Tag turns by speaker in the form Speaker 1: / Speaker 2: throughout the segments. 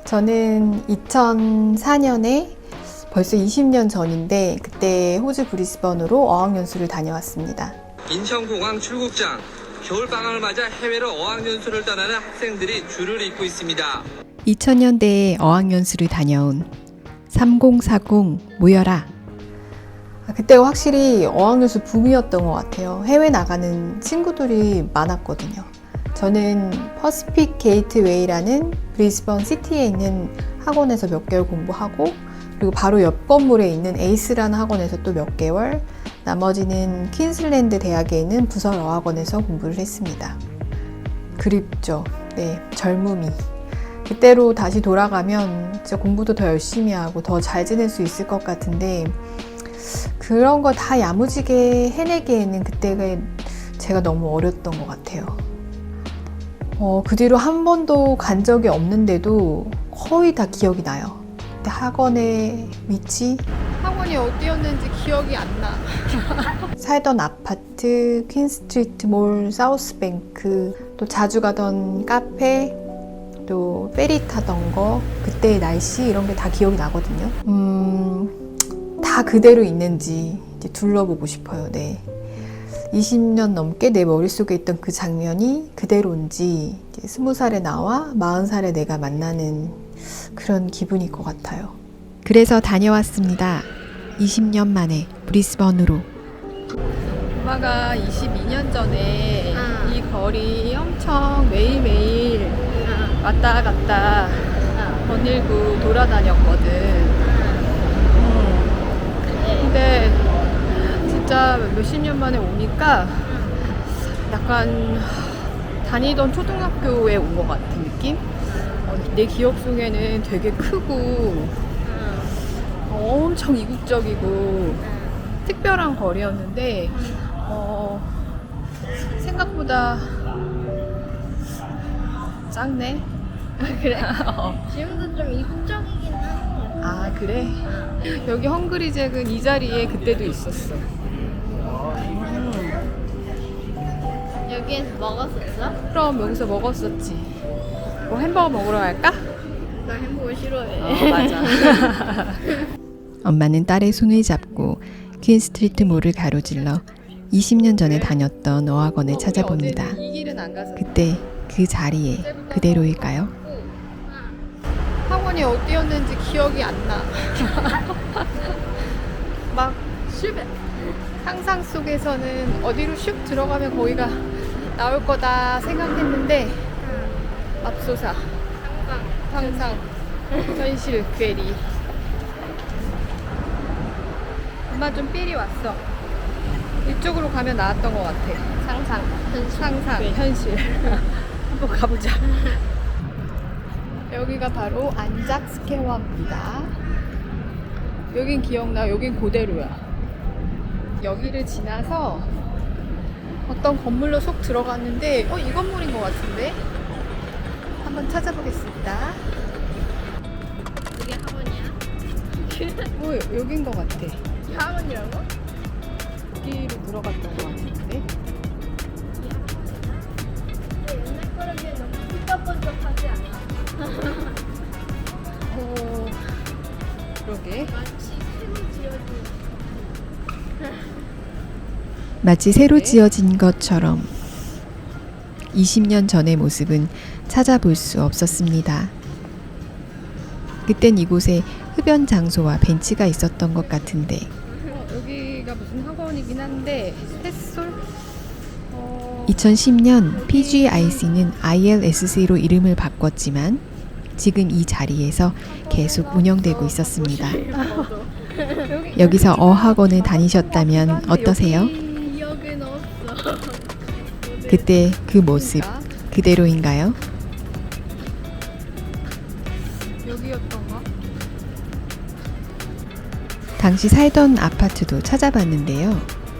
Speaker 1: 저는 2004년에 벌써 20년 전인데 그때 호주 브리스번으로 어학연수를 다녀왔습니다.
Speaker 2: 인천공항 출국장, 겨울방학을 맞아 해외로 어학연수를 떠나는 학생들이 줄을 잇고 있습니다.
Speaker 1: 2000년대에 어학연수를 다녀온 3040 모여라. 그때가 확실히 어학연수 붐이었던 것 같아요. 해외 나가는 친구들이 많았거든요. 저는 퍼시픽 게이트웨이라는 브리스번 시티에 있는 학원에서 몇 개월 공부하고, 그리고 바로 옆 건물에 있는 에이스라는 학원에서 또 몇 개월, 나머지는 퀸슬랜드 대학에 있는 부설 어학원에서 공부를 했습니다. 그립죠. 네, 젊음이. 그때로 다시 돌아가면 진짜 공부도 더 열심히 하고 더 잘 지낼 수 있을 것 같은데, 그런 거 다 야무지게 해내기에는 그때가 제가 너무 어렸던 것 같아요. 그 뒤로 한 번도 간 적이 없는데도 거의 다 기억이 나요. 그때 학원의 위치,
Speaker 3: 학원이 어디였는지 기억이 안 나.
Speaker 1: 살던 아파트, 퀸스트리트 몰, 사우스뱅크, 또 자주 가던 카페, 또 페리 타던 거, 그때의 날씨, 이런 게 다 기억이 나거든요. 다 그대로 있는지 이제 둘러보고 싶어요. 네. 20년 넘게 내 머릿속에 있던 그 장면이 그대로인지, 20살에 나와 40살에 내가 만나는 그런 기분일 것 같아요. 그래서 다녀왔습니다. 20년 만에 브리스번으로.
Speaker 3: 엄마가 22년 전에 이 거리 엄청 매일매일 왔다 갔다 거닐고 돌아다녔거든. 근데 진짜 몇십 년 만에 오니까 약간 다니던 초등학교에 온 것 같은 느낌? 내 기억 속에는 되게 크고 엄청 이국적이고 특별한 거리였는데 생각보다 작네?
Speaker 4: 그래. 지금도 좀 이국적이긴 하는 것 같아.
Speaker 3: 아 그래? 여기 헝그리잭은 이 자리에 그때도 있었어.
Speaker 4: 여기에서 먹었었어?
Speaker 3: 그럼 여기서 먹었었지. 뭐 햄버거 먹으러 갈까?
Speaker 4: 나 햄버거 싫어해.
Speaker 3: 맞아.
Speaker 1: 엄마는 딸의 손을 잡고 퀸스트리트 몰을 가로질러 20년 전에 다녔던 어학원을 찾아봅니다.
Speaker 3: 어제는 이 길은 안 가서
Speaker 1: 그때 그 자리에 그대로일까요?
Speaker 3: 학원이 어디였는지 기억이 안 나. 막 상상 속에서는 어디로 슉 들어가면 거기가 나올 거다 생각했는데 맙소사 상상 현실 괴리. 엄마 좀 삘이 왔어. 이쪽으로 가면 나왔던 것 같아. 상상 현실. 한번 가보자. 여기가 바로 안작 스퀘어입니다. 여긴 기억나. 여긴 그대로야. 여기를 지나서 어떤 건물로 속 들어갔는데 이 건물인 것 같은데 한번 찾아보겠습니다.
Speaker 4: 이게 학원이야?
Speaker 3: 여긴 것 같아.
Speaker 4: 이게 학원이라고?
Speaker 3: 여기로 들어갔던 것 같은데.
Speaker 4: 옛날 거라 비해 너무 삐까뻔쩍하지 않아?
Speaker 3: 그러게.
Speaker 4: 마치 새로 지어진
Speaker 1: 마치 새로 지어진 것처럼 20년 전의 모습은 찾아볼 수 없었습니다. 그땐 이곳에 흡연 장소와 벤치가 있었던 것 같은데,
Speaker 3: 여기가 무슨 학원이긴 한데 햇솔?
Speaker 1: 2010년 PGIC는 ILSC로 이름을 바꿨지만 지금 이 자리에서 계속 운영되고 있었습니다. 여기서 어학원을 다니셨다면 어떠세요?
Speaker 4: 기억은 없어.
Speaker 1: 그때 그 모습 그대로인가요?
Speaker 3: 여기였던가?
Speaker 1: 당시 살던 아파트도 찾아봤는데요.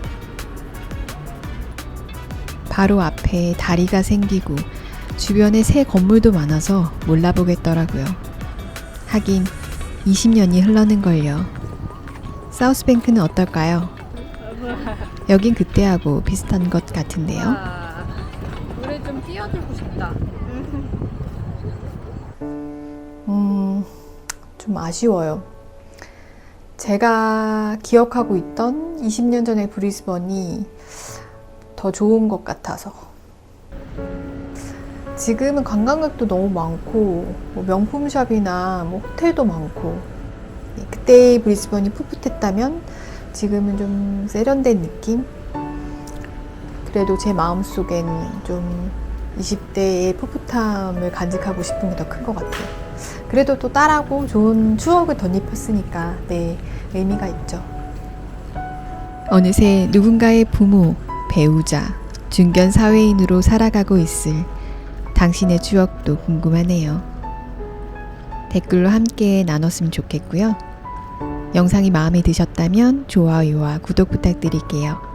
Speaker 1: 바로 앞에 다리가 생기고 주변에 새 건물도 많아서 몰라보겠더라고요. 하긴 20년이 흘러는걸요. 사우스뱅크는 어떨까요? 여긴 그때하고 비슷한 것 같은데요.
Speaker 3: 노래 좀 띄워주고 싶다.
Speaker 1: 좀 아쉬워요. 제가 기억하고 있던 20년 전의 브리즈번이 더 좋은 것 같아서. 지금은 관광객도 너무 많고 뭐 명품샵이나 뭐 호텔도 많고, 그때의 브리즈번이 풋풋했다면 지금은 좀 세련된 느낌? 그래도 제 마음속엔 좀 20대의 풋풋함을 간직하고 싶은 게 더 큰 것 같아요. 그래도 또 딸하고 좋은 추억을 덧입혔으니까 네, 의미가 있죠. 어느새 누군가의 부모, 배우자, 중견 사회인으로 살아가고 있을 당신의 추억도 궁금하네요. 댓글로 함께 나눴으면 좋겠고요. 영상이 마음에 드셨다면 좋아요와 구독 부탁드릴게요.